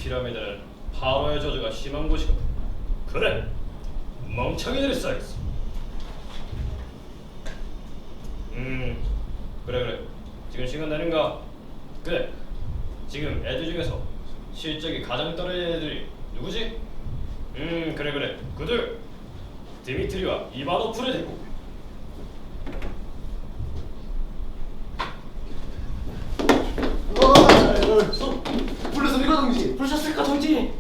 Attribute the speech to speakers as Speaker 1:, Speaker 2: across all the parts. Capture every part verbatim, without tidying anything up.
Speaker 1: 피라미드는 파로의 저주가 심한 곳이거든. 그래, 멍청이들이 쌓였어. 음, 그래 그래. 지금 시간 되는가? 그래. 지금 애들 중에서 실적이 가장 떨어진 애들이 누구지? 음, 그래 그래. 그들 디미트리와 이바노프를 데리고.
Speaker 2: 어, 불렀습니까 동지?
Speaker 3: 부르셨을까 동지?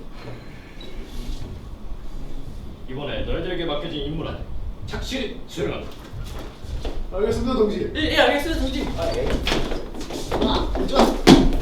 Speaker 1: 이번에 너희들에게 맡겨진 임무 안에 착실히 수행한다.
Speaker 2: 알겠습니다 동지.
Speaker 3: 예, 예 알겠습니다 동지. 아, 예.
Speaker 2: 아, 좋아.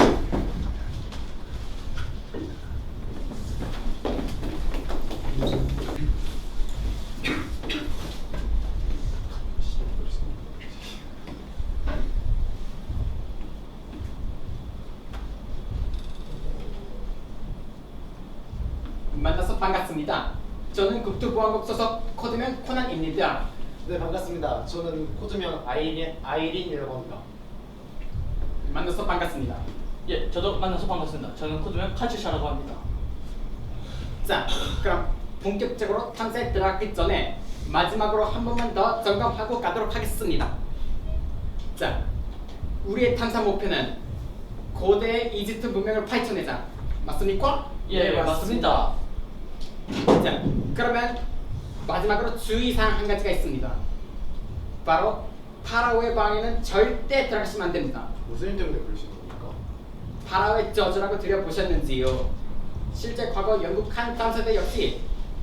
Speaker 3: 만나서 반갑습니다. 저는 국토보안국 소속 코드명 코난입니다.
Speaker 2: 네 반갑습니다. 저는 코드명 아이린 아이린이라고 합니다.
Speaker 3: 만나서 반갑습니다.
Speaker 4: 예, 저도 만나서 반갑습니다. 저는 코드명 카츠샤라고 합니다.
Speaker 3: 자, 그럼 본격적으로 탐사에 들어가기 전에 마지막으로 한 번만 더 점검하고 가도록 하겠습니다. 자, 우리의 탐사 목표는 고대 이집트 문명을 파헤쳐내자. 맞습니까?
Speaker 4: 예,
Speaker 3: 네,
Speaker 4: 맞습니다.
Speaker 3: 자, 그러면 마지막으로 주의사항 한 가지가 있습니다. 바로 파라오의 방에는 절대 들어가시면 안 됩니다.
Speaker 2: 무슨 일 때문에 그러시는 겁니까?
Speaker 3: 파라오의 저주라고 들여보셨는지요? 실제 과거 영국 한 탐사대 역시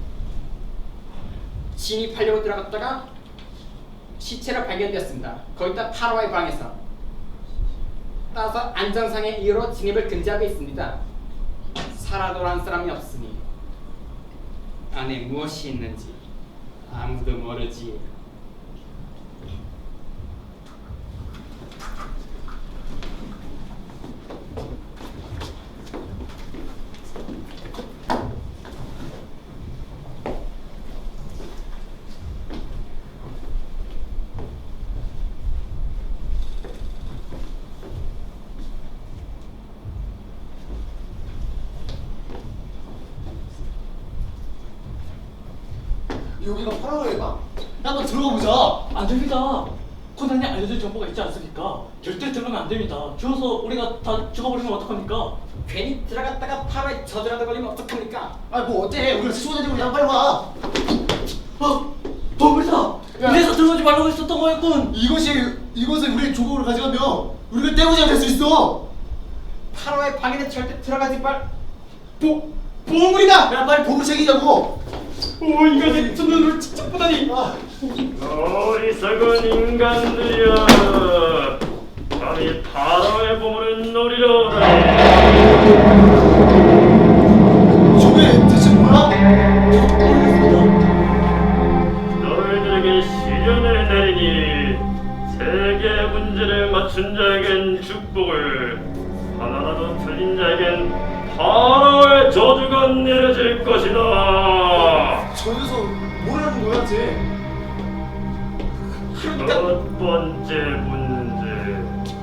Speaker 3: 진입하려고 들어갔다가 시체로 발견되었습니다. 거기다 파라오의 방에서. 따라서 안전상의 이유로 진입을 금지하고 있습니다. 살아 돌아온 사람이 없으니 안에 무엇이 있는지 아무도 모르지.
Speaker 2: 여기가 파라오의 방? 한번 들어가 보자.
Speaker 4: 안 됩니다. 코난이 알려줄 정보가 있지 않습니까? 절대 들어가면 안 됩니다. 죽어서 우리가 다 죽어버리면 어떡합니까?
Speaker 3: 괜히 들어갔다가 파라오의 저주라도 걸리면 어떡합니까?
Speaker 2: 아 뭐 어때? 우리가 스스로 되고 그냥 빨리 와.
Speaker 4: 어, 범이다.
Speaker 2: 야.
Speaker 4: 이래서 들어가지 말라고 했었던 거였군.
Speaker 2: 이것이 이것을 우리의 조국으로 가져가면 우리가 떼고자 될 수 있어.
Speaker 3: 파라오의 방에는 절대 들어가지 말.
Speaker 2: 보 보물이다. 야 빨리 보물 챙기자고.
Speaker 3: 오, 이거 내 두 눈으로 직접 보다니.
Speaker 2: 아.
Speaker 1: 어리석은 인간들이여, 감히 파라오의 보물을 노리러 오다니.
Speaker 2: 저게 대체 뭐야?
Speaker 1: 너희들에게 시련을 내리니 세계의 문제를 맞춘 자에겐 축복을, 하나라도 틀린 자에겐 파라오의 저주가 내려질 것이다.
Speaker 2: 저 녀석 뭐라는 거야 쟤?
Speaker 1: 첫 번째 문제.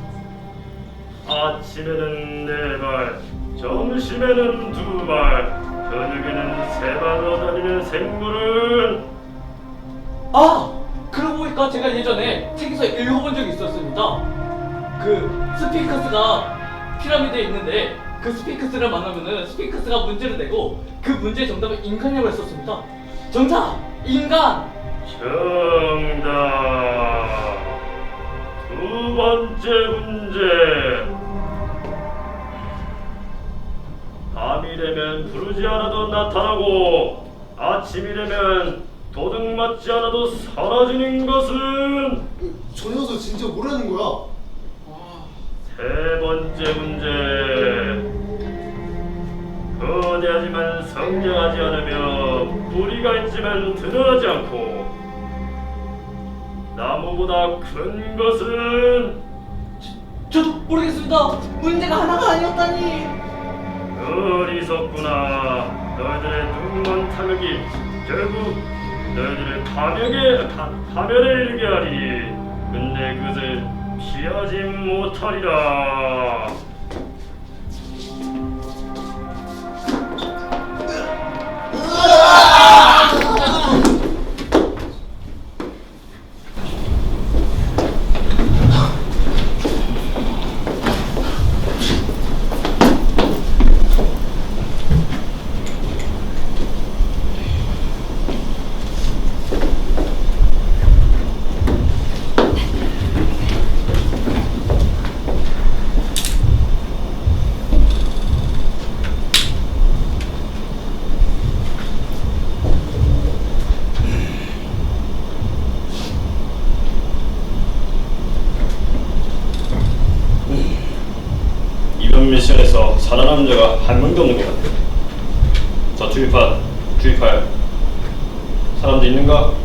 Speaker 1: 아침에는 네 발, 점심에는 두 발, 저녁에는 세 발로 다니는 생물은.
Speaker 4: 아, 그러고 보니까 제가 예전에 책에서 읽어본 적이 있었습니다. 그 스핑크스가 피라미드에 있는데 그 스핑크스를 만나면은 스핑크스가 문제를 내고 그 문제의 정답은 인간이라고 했었습니다. 정답! 인간!
Speaker 1: 정답. 두 번째 문제. 밤이 되면 부르지 않아도 나타나고 아침이 되면 도둑 맞지 않아도 사라지는 것은.
Speaker 2: 저 녀석 진짜 뭐라는 거야?
Speaker 1: 세 번째 문제. 거대하지만 성장하지 않으며 뿌리가 있지만 드러나지 않고 나무보다 큰 것은.
Speaker 4: 저도 모르겠습니다. 문제가 하나가 아니었다니.
Speaker 1: 어리석구나. 너희들의 눈먼 탐욕이 결국 너희들의 파멸에, 파, 파멸에 이르게 하리. 근데 그것을 피하지 못하리라. 살아남은 자가 한 명도 없는 것 같아. 자, 주입할 주입할 사람도 있는가?